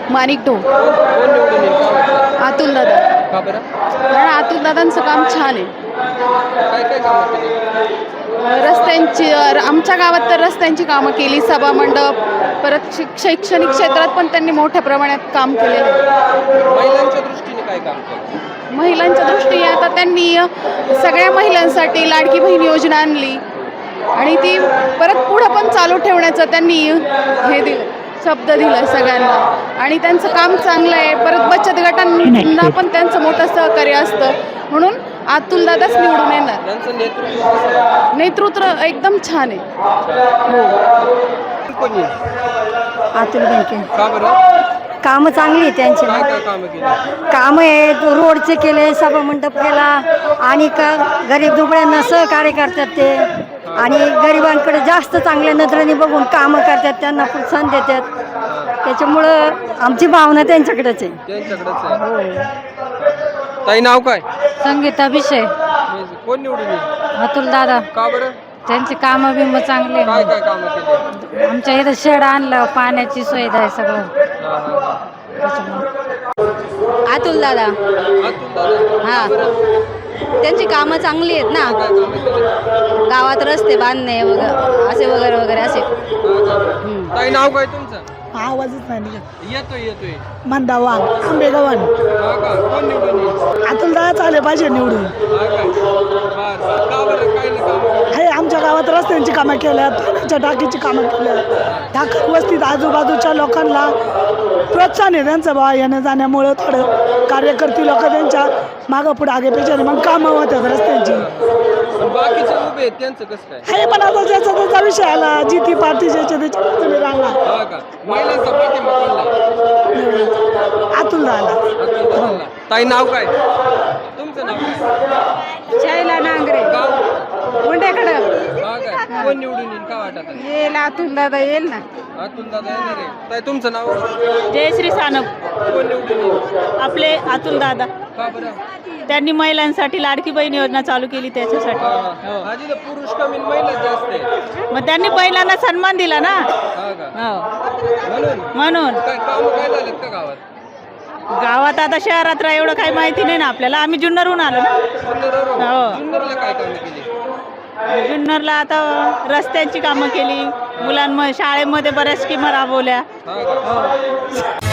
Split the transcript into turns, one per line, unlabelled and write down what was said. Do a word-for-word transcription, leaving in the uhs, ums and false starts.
माणिक ढो.
कोण निवडून येईल का वाटतं?
अतुल दादा.
का बरं?
कारण अतुल दादांचं काम छान आहे.
काय काय कामं केली?
रस्त्यांची आमच्या गावात तर रस्त्यांची कामं केली, सभामंडप, परत शिक शैक्षणिक क्षेत्रात पण त्यांनी मोठ्या प्रमाणात काम केलेलं आहे.
महिलांच्या दृष्टीने काय काम केलं?
महिलांच्या दृष्टीने आता त्यांनी सगळ्या महिलांसाठी लाडकी बहीण योजना आणली आणि ती परत पुढं पण चालू ठेवण्याचं त्यांनी हे दिलं, शब्द दिला सगळ्यांना आणि त्यांचं काम चांगलं आहे. परत बचत गटांना पण त्यांचं मोठं सहकार्य असतं, म्हणून अतुल दादाच निवडून येणार.
त्यांचं नेतृत्व कसं आहे?
नेतृत्व एकदम छान आहे.
कोण येईल?
अतुल बेनके.
का बरं?
कामं चांगली आहे त्यांची.
काय काय कामं केली?
कामं आहेत, रोडचे केले, सभामंडप केला आणि का गरीब दुबळ्यांना सहकार्य करतात ते आणि गरिबांकडे जास्त चांगल्या नजरेने बघून कामं करतात, त्यांना प्रोत्साहन देतात. त्याच्यामुळं आमची भावना त्यांच्याकडेच आहे.
त्यांच्याकडेच आहे. ताई नाव काय?
संगीता विषय.
कोण निवडून येईल?
अतुल दादा.
का बरं?
त्यांचे कामं बिम चांगले.
काय काय कामं केली?
आमच्या इथं शेड आणलं, पाण्याची सुविधा आहे सगळं.
हा, हा, हा.
अतुल दादा.
अतुल दादा.
हा.
का बरं?
त्यांची कामं चांगली आहेत ना,
काय कामं केली?
गावात रस्ते बांधणे वगैरे असे वगैरे वगैरे असे.
ताई नाव काय तुमचं?
आवाजच नाही निघत.
येतोय येतोय.
मंदा वाघ, आंबेगावान.
हा का? कोण निवडून येईल?
अतुल दादा आले पाहिजे निवडून.
हा काय? बर बर. का बरं? काय नाही कामं?
हे आमच्या गावात रस्त्यांची कामं केल्यात, पाण्याच्या टाकीची कामं केल्यात. ठाकर वस्तीत आजूबाजूच्या लोकांना प्रोत्साहन आहे त्यांचं बा येण्या जाण्यामुळं. थोडं कार्यकर्ते लोक त्यांच्या मागं पुढे आगे पेचाने मग कामं होतात रस्त्यांची.
पण बाकीचे उभे आहेत त्यांचं कसं काय?
हे पण आता ज्याचा त्याचा विषय आला, जी ती पार्टी ज्याच्या त्याच्या तुम्ही राहणार.
हा का? महिलांचा पाठिंबा कोणला?
अतुल दादा.
अतुल दादांना. ताई नाव काय? तुमचं नाव काय?
शैला नांगरे.
गाव?
मुंडेकडं
हा काय? कोण निवडून येईल का वाटत?
येईल, अतुल दादा येईल ना.
अतुल दादा येणार आहे. ताई तुमचं नाव?
जयश्री सानप.
कोण निवडून येईल?
आपले अतुल दादा.
का बरं?
त्यांनी महिलांसाठी लाडकी बहीण योजना चालू केली त्याच्यासाठी.
हा. आधी तर पुरुष कमी महिला जास्त आहे.
मग त्यांनी महिलांना सन्मान दिला ना.
हा का?
हो.
म्हणून
म्हणून
काय काम काय झालेत का गावात?
गावात आता शहरात रा- एवढं काही माहिती नाही ना आपल्याला. आम्ही जुन्नरहून आलो ना.
जुन्नरवरून?
हो.
जुन्नरला काय कामं केली?
जुन्नरला आता रस्त्यांची कामं केली, मुलांमध्ये शाळेमध्ये बऱ्याच स्कीमा राबवल्या.
हा का?